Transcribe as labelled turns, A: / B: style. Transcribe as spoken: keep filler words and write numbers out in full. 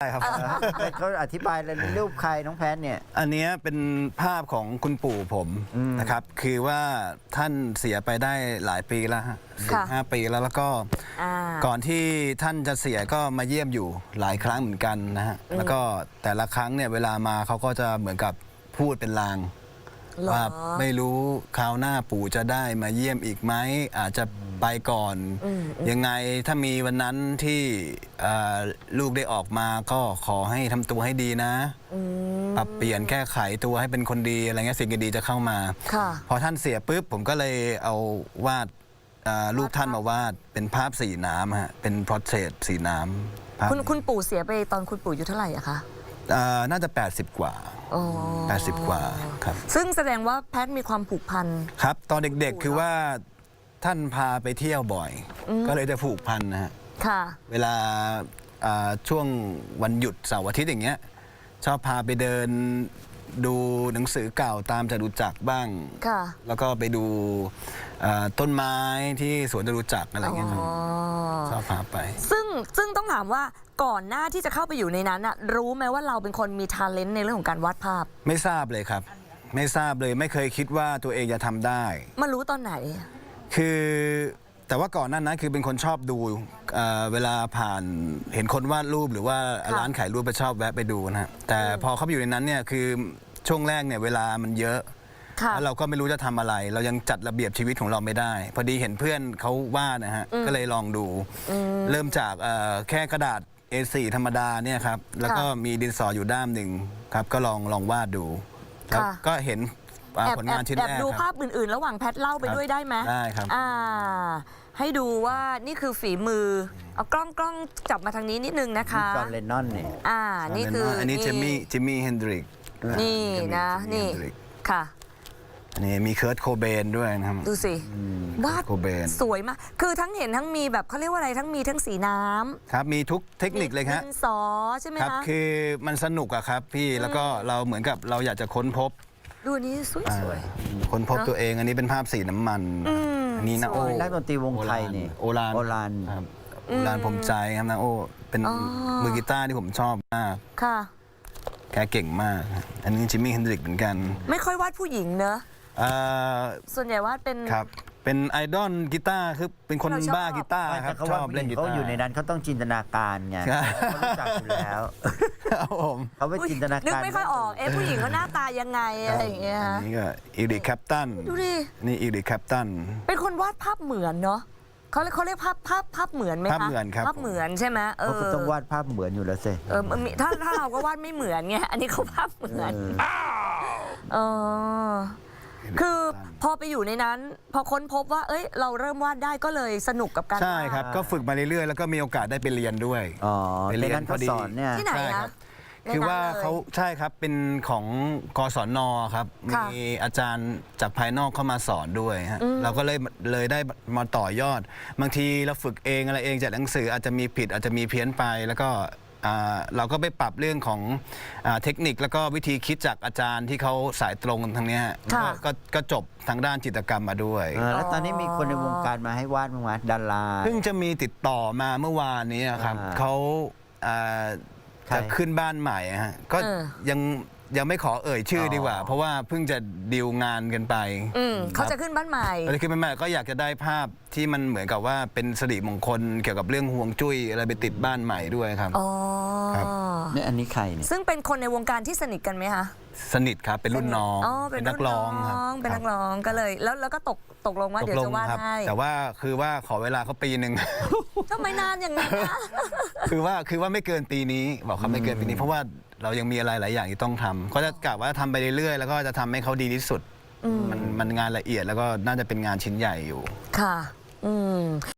A: ใช่ครับ
B: แต่เขาอธิบายเลยรูปใครน้องแพทเนี่ย
A: อันเนี้ยเป็นภาพของคุณปู่ผมนะครับ คือว่าท่านเสียไปได้หลายปีแล้วฮะสิบห้าปีแล้วแล้วก็ก่อนที่ท่านจะเสียก็มาเยี่ยมอยู่หลายครั้งเหมือนกันนะฮะแล้วก็แต่ละครั้งเนี่ยเวลามาเขาก็จะเหมือนกับพูดเป็นลางว่าไม่รู้คราวหน้าปู่จะได้มาเยี่ยมอีกไหมอาจจะไปก่อนยังไงถ้ามีวันนั้นที่ลูกได้ออกมาก็ขอให้ทำตัวให้ดีนะปรับเปลี่ยนแก้ไขตัวให้เป็นคนดีอะไรเงี้ยสิ่งดีๆจะเข้ามาพอท่านเสียปุ๊บผมก็เลยเอาวาดรูปท่านมาวาดเป็นภาพสีน้ำฮะเป็นพอร์เทรตสีน้ำ
C: คุณคุณปู่เสียไปตอนคุณปู่อายุเท่าไหร่อะคะ
A: น่าจะแปดสิบกว่าแปดสิบกว่าครับ
C: ซึ่งแสดงว่าแพทมีความผูกพัน
A: ครับตอนเด็กๆคือว่าท่านพาไปเที่ยวบ่อยก็เลยจะผูกพันนะฮะเวลาช่วงวันหยุดเสาร์อาทิตย์อย่างเงี้ยชอบพาไปเดินดูหนังสือเก่าตามจตุจักรบ้างแล้วก็ไปดูต้นไม้ที่สวนจตุจักรอะไรเงี้ยชอบพาไป
C: ซึ่งซึ่งต้องถามว่าก่อนหน้าที่จะเข้าไปอยู่ในนั้นอะรู้ไหมว่าเราเป็นคนมีทาเลนต์ในเรื่องของการวาดภาพ
A: ไม่ทราบเลยครับไม่ทราบเลยไม่เคยคิดว่าตัวเองจะทำได้
C: มารู้ตอนไหน
A: คือแต่ว่าก่อนหน้านั้นคือเป็นคนชอบดูเ, เวลาผ่านเห็นคนวาดรูปหรือว่าร้านขายรูปไปชอบแวะไปดูนะฮะแต่พอเข้าไปอยู่ในนั้นเนี่ยคือช่วงแรกเนี่ยเวลามันเยอะแล้วเราก็ไม่รู้จะทำอะไรเรายังจัดระเบียบชีวิตของเราไม่ได้พอดีเห็นเพื่อนเขาวาดนะฮะก็เลยลองดูเริ่มจากแค่กระดาษ เอ โฟร์ ธรรมดาเนี่ยครับแล้วก็มีดินสออยู่ด้ามหนึ่งครับก็ลองลองวาดดูแล้วก็เห็นผลงานชิ้นแรก
C: แอบดูภาพอื่นๆระหว่างแพทเล่าไปด้วยได้ไหม
A: ได้ครับ
C: ให้ดูว่านี่คือฝีมือเอากล้องกล้องจับมาทางนี้นิดนึงนะคะ
B: จอห์นเลนนอนเนี่ย
C: อ่านี่คือ
A: อันนี้จิมมี่จิมมี่เฮนดริก
C: นี่นะนี่ค่ะ
A: นี่มีเคิร์ทโคเบนด้วยนะครับ
C: ดูสิวาดสวยมากคือทั้งเห็นทั้งมีแบบเขาเรียกว่าอะไรทั้งมีทั้งสีน้ำ
A: ครับมีทุกเทคนิคเลยครับ
C: ดินสอใช่ไหม
A: ครับคือมันสนุกอะครับพี่แล้วก็เราเหมือนกับเราอยากจะค้นพบ
C: ดูนี้สวย
A: ๆค้นพบตัวเองอันนี้เป็นภาพสีน้ำมันอันนี้นะโอ้
B: นักดนตรีวงไทยนี่
A: โอราน
B: โอราน
A: ครับโอรานผมใจครับนะโอ้เป็นมือกีตาร์ที่ผมชอบมาก
C: ค่ะ
A: แกเก่งมากอันนี้จิมมี่เฮนดริกเหมือนกัน
C: ไม่ค่อยวาดผู้หญิงเนอะส่วนใหญ่วาดเป็น
A: ครับเป็นไอดอลกีตาร์คือเป็นคนบ้ากีตาร์ครับชอบเล่นกีตาร์
B: เขาอยู่ในนั้นเขาต้องจินตนาการไงเขารู้จักอยู่แล้วเขาไปจินตนาการ
C: นึกไม่ค่อยออกเอ๊ะผู้หญิงเขาหน้าตายังไงอะไรอย่างเงี้ย
A: นี่ก็อีริคแคปตัน
C: ดูดิ
A: นี่อีริคแคปตัน
C: เป็นคนวาดภาพเหมือนเนาะเขาเขาเรียกภาพภาพภาพเหมือนไหมคะ
A: ภาพเหมือนครับ
C: ภาพเหมือนใช่ไหมเออ
B: เขาต้องวาดภาพเหมือนอยู่แล้วสิ
C: เออถ้าถ้าเราก็วาดไม่เหมือนไงอันนี้เขาภาพเหมือนเออคือพอไปอยู่ในนั้นพอค้นพบว่าเอ้ยเราเริ่มวาดได้ก็เลยสนุกกับการ
A: ใช่ครับก็ฝึกมาเรื่อยๆแล้วก็มีโอกาสได้ไปเรียนด้วย
B: อ๋อไปเรียนพอดี
C: ที่ไหนคะ
A: คือว่าเขาใช่ครับเป็นของกศน.ครับมีอาจารย์จากภายนอกเข้ามาสอนด้วยฮะเราก็เลยเลยได้มาต่อยอดบางทีเราฝึกเองอะไรเองจากหนังสืออาจจะมีผิดอาจจะมีเพี้ยนไปแล้วก็เราก็ไปปรับเรื่องของเทคนิคแล้วก็วิธีคิดจากอาจารย์ที่เขาสายตรงทางนี้ก็ก็จบทางด้านจิตรกรรมมาด้วย
B: แล้วตอนนี้มีคนในวงการมาให้วาดมั้งไหมดารา
A: เพิ่งจะมีติดต่อมาเมื่อวานนี้ครับเขาจะขึ้นบ้านใหม่ฮะก็ยังยังไม่ขอเอ่ยชื่อดีกว่าเพราะว่าเพิ่งจะดีลงานกันไป
C: เขาจะขึ้นบ้านใหม่
A: เขาจะขึ้นบ้านใหม่ก็อยากจะได้ภาพที่มันเหมือนกับว่าเป็นสิริมงคลเกี่ยวกับเรื่องห่วงจุ้ยอะไรไปติดบ้านใหม่ด้วยครับ
C: อ๋อ
B: เนี่ยอันนี้ใครเนี่ย
C: ซึ่งเป็นคนในวงการที่สนิทกันไหมคะ
A: สนิทครับเป็นรุ่นน้อง
C: เป็นนักร้องเป็นนักร้องก็เลยแล้วแล้วก็ตกตกลงว่าเดี๋ยวจะวาดให้
A: แต่ว่าคือว่าขอเวลาเขาปีหนึ่ง
C: ทำไมนานอย่างนี้นะ
A: คือว่าคือว่าไม่เกินปีนี้บอกเขาไม่เกินปีนี้เพราะว่าเรายังมีอะไรหลายอย่างที่ต้องทำเขาจะกะว่าทำไปเรื่อยๆแล้วก็จะทำให้เขาดีที่สุดมันมันงานละเอียดแล้วก็น่าจะเป็นงานชิ้นใหญ่อยู่
C: ค่ะอืม